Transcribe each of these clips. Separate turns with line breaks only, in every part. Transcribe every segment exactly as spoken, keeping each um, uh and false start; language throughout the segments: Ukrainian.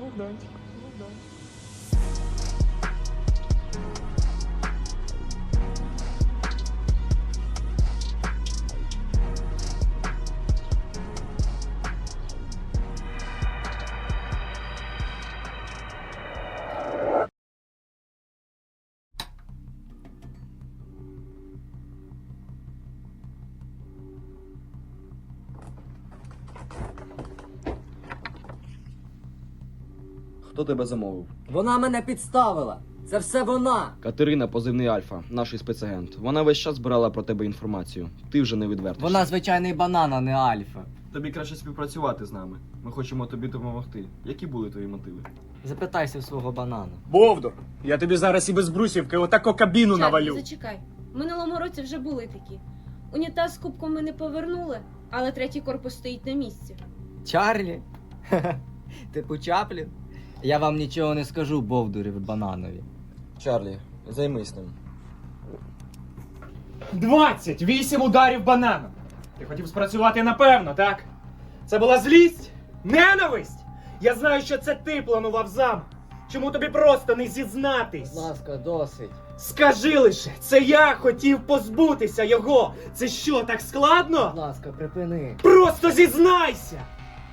Богданчик.
Хто тебе замовив?
Вона мене підставила. Це все вона.
Катерина, позивний Альфа, наш спецагент. Вона весь час збирала про тебе інформацію. Ти вже не відвертишся.
Вона звичайний банан, а не альфа.
Тобі краще співпрацювати з нами. Ми хочемо тобі допомогти. Які були твої мотиви?
Запитайся в свого банана.
Бовдур, я тобі зараз і без брусівки отако кабіну
Чарлі,
навалю.
зачекай. В минулому році вже були такі. Унітаз з кубком ми не повернули, але третій корпус стоїть на місці.
Чарлі? Типу Чаплін? Я вам нічого не скажу, бовдурі ви бананові.
Чарлі, займись ним.
двадцять вісім ударів бананом. Ти хотів спрацювати напевно, так? Це була злість? Ненависть? Я знаю, що це ти планував замок. Чому тобі просто не зізнатись?
Будь ласка, досить.
Скажи лише, це я хотів позбутися його. Це що, так складно?
Будь ласка, припини.
Просто зізнайся!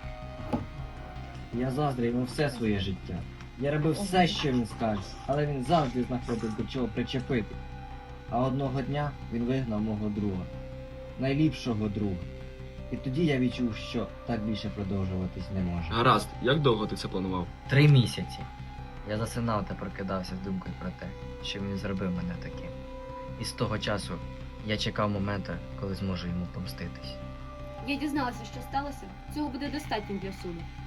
Я заздрив йому все своє життя. Я робив все, що він скаже, але він завжди знаходив до чого причепити. А одного дня він вигнав мого друга. Найліпшого друга. І тоді я відчув, що так більше продовжуватись не може.
Гаразд, як довго ти це планував?
Три місяці. Я засинав та прокидався з думкою про те, що він зробив мене таким. І з того часу я чекав моменту, коли зможу йому помститись.
Я дізналася, що сталося. Цього буде достатньо для суду.